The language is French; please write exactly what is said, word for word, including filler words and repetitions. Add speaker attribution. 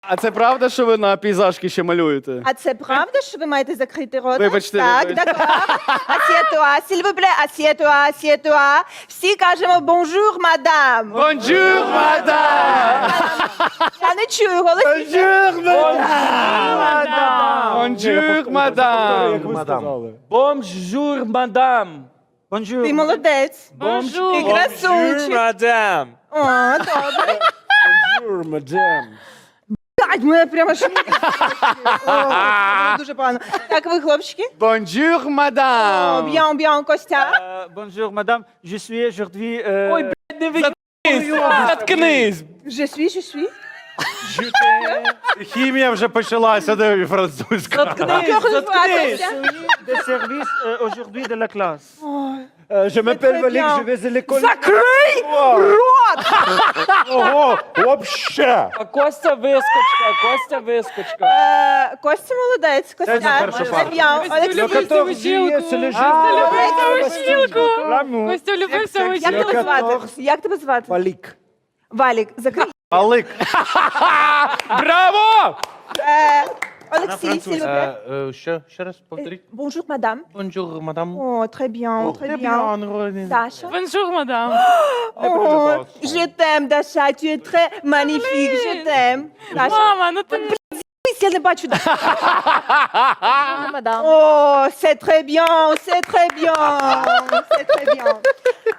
Speaker 1: А це правда, що ви на пейзажки ще малюєте?
Speaker 2: А це правда, що ви маєте закрити рота?
Speaker 1: Вибачте,
Speaker 2: Так,
Speaker 1: вибачте.
Speaker 2: d'accord. Assieds-toi, s'il vous plaît, assieds-toi, assieds-toi. Всі кажемо bonjour, madame.
Speaker 1: Бонжур, мадам!
Speaker 2: Я не чую голосніше.
Speaker 1: Бонжур, мадам! Бонжур, мадам!
Speaker 3: Мадам.
Speaker 4: Bonjour, madame.
Speaker 3: Bonjour.
Speaker 2: Ти молодець.
Speaker 4: Bonjour.
Speaker 2: Ти красунчик.
Speaker 4: madame.
Speaker 2: О, добре.
Speaker 3: Bonjour, madame.
Speaker 2: Блядь, мене прямо аж... О, це дуже погано. Так, ви, хлопчики?
Speaker 1: Бонжур,
Speaker 2: О,
Speaker 1: мадам!
Speaker 2: Bien, bien, Костя.
Speaker 3: Euh, bonjour, madame. Je suis aujourd'hui... Euh,
Speaker 4: Ой, блядь, не викнись. Заткнись.
Speaker 2: Je suis, je suis.
Speaker 5: Хімія вже почалася, де французька.
Speaker 4: Заткнись,
Speaker 2: Як вас
Speaker 4: заткнись.
Speaker 2: звати?
Speaker 3: de service euh, aujourd'hui de la classe.
Speaker 2: Ой,
Speaker 3: Euh, je m'appelle
Speaker 2: très
Speaker 3: Malik,
Speaker 2: bien.
Speaker 3: je vais à l'école.
Speaker 2: Закрий рот!
Speaker 5: Ого, вообще.
Speaker 4: А Костя вискочка, Костя вискочка.
Speaker 2: Е, Костя молодець, Костя.
Speaker 5: перша
Speaker 2: Très
Speaker 5: пара.
Speaker 2: bien.
Speaker 3: Le
Speaker 2: Олексій,
Speaker 3: quatorze juillet, c'est le jour de la Bastille. L'amour.
Speaker 6: Костя влюбився в
Speaker 2: як тебе звати? Як тебе звати?
Speaker 3: Malik.
Speaker 2: Валік, закрий.
Speaker 5: Палик.
Speaker 1: Браво!
Speaker 2: Е, Олексій, s'il vous plaît.
Speaker 5: Е, Що? Ще раз повторіть.
Speaker 2: Bonjour, madame.
Speaker 5: Бонжур, мадам.
Speaker 2: О, très bien, très bien. Даша.
Speaker 6: Бонжур, мадам.
Speaker 2: О, je t'aime, Даша, tu es très magnifique, je t'aime. Даша,
Speaker 6: Мама, ну ти
Speaker 2: я не бачу. О, c'est très bien, c'est très bien, c'est très bien.